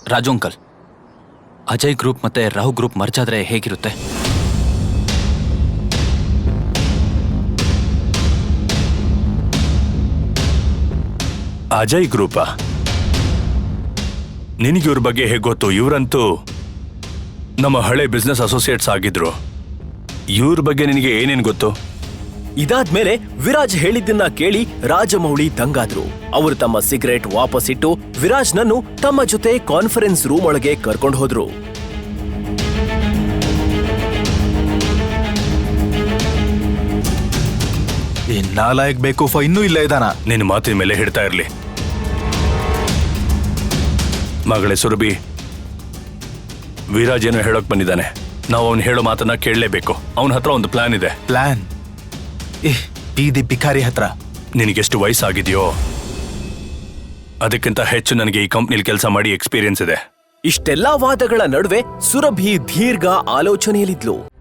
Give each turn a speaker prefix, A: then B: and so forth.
A: Raju uncle, Ajay group ಮತ್ತೆ Rahu group merge ಆದ್ರೆ ಹೇಗಿರುತ್ತೆ?
B: ಅಜಯ್ ಗ್ರೂಪಾ? ನಿನಗೆ ಇವ್ರ ಬಗ್ಗೆ ಹೇಗೆ ಗೊತ್ತು? ಇವರಂತೂ ನಮ್ಮ ಹಳೆ ಬಿಸ್ನೆಸ್ ಅಸೋಸಿಯೇಟ್ಸ್ ಆಗಿದ್ರು. ಇವ್ರ ಬಗ್ಗೆ ನಿನಗೆ ಏನೇನು ಗೊತ್ತು?
C: ಇದಾದ್ಮೇಲೆ ವಿರಾಜ್ ಹೇಳಿದ್ದನ್ನ ಕೇಳಿ ರಾಜಮೌಳಿ ದಂಗಾದ್ರು. ಅವರು ತಮ್ಮ ಸಿಗರೇಟ್ ವಾಪಸ್ಸಿಟ್ಟು ವಿರಾಜ್ನನ್ನು ತಮ್ಮ ಜೊತೆ ಕಾನ್ಫರೆನ್ಸ್ ರೂಮ್ ಒಳಗೆ ಕರ್ಕೊಂಡು ಹೋದ್ರು.
D: ಈ ನಾಲಾಯಕ್ ಬೇಕೂಫ ಇನ್ನೂ ಇಲ್ಲ ಇದಾನ.
B: ನಿನ್ನ ಮಾತಿನ ಮೇಲೆ ಹಿಡ್ತಾ ಇರ್ಲಿ. ಮಗಳೇ ಸುರಭಿ, ವಿರಾಜ್ ಏನೋ ಹೇಳೋಕ್ ಬಂದಿದ್ದಾನೆ. ನಾವು ಅವ್ನು ಹೇಳೋ ಮಾತನ್ನ ಕೇಳಲೇಬೇಕು. ಅವನ ಹತ್ರ ಒಂದು ಪ್ಲಾನ್ ಇದೆ.
D: ಪ್ಲಾನ್? ಬೀದಿ ಭಿಕಾರಿ ಹತ್ರ.
B: ನಿನಗೆಷ್ಟು ವಯಸ್ಸಾಗಿದೆಯೋ ಅದಕ್ಕಿಂತ ಹೆಚ್ಚು ನನಗೆ ಈ ಕಂಪ್ನಿಲಿ ಕೆಲಸ ಮಾಡಿ ಎಕ್ಸ್ಪೀರಿಯನ್ಸ್ ಇದೆ.
C: ಇಷ್ಟೆಲ್ಲಾ ವಾದಗಳ ನಡುವೆ ಸುರಭಿ ದೀರ್ಘ ಆಲೋಚನೆಯಲ್ಲಿದ್ಲು.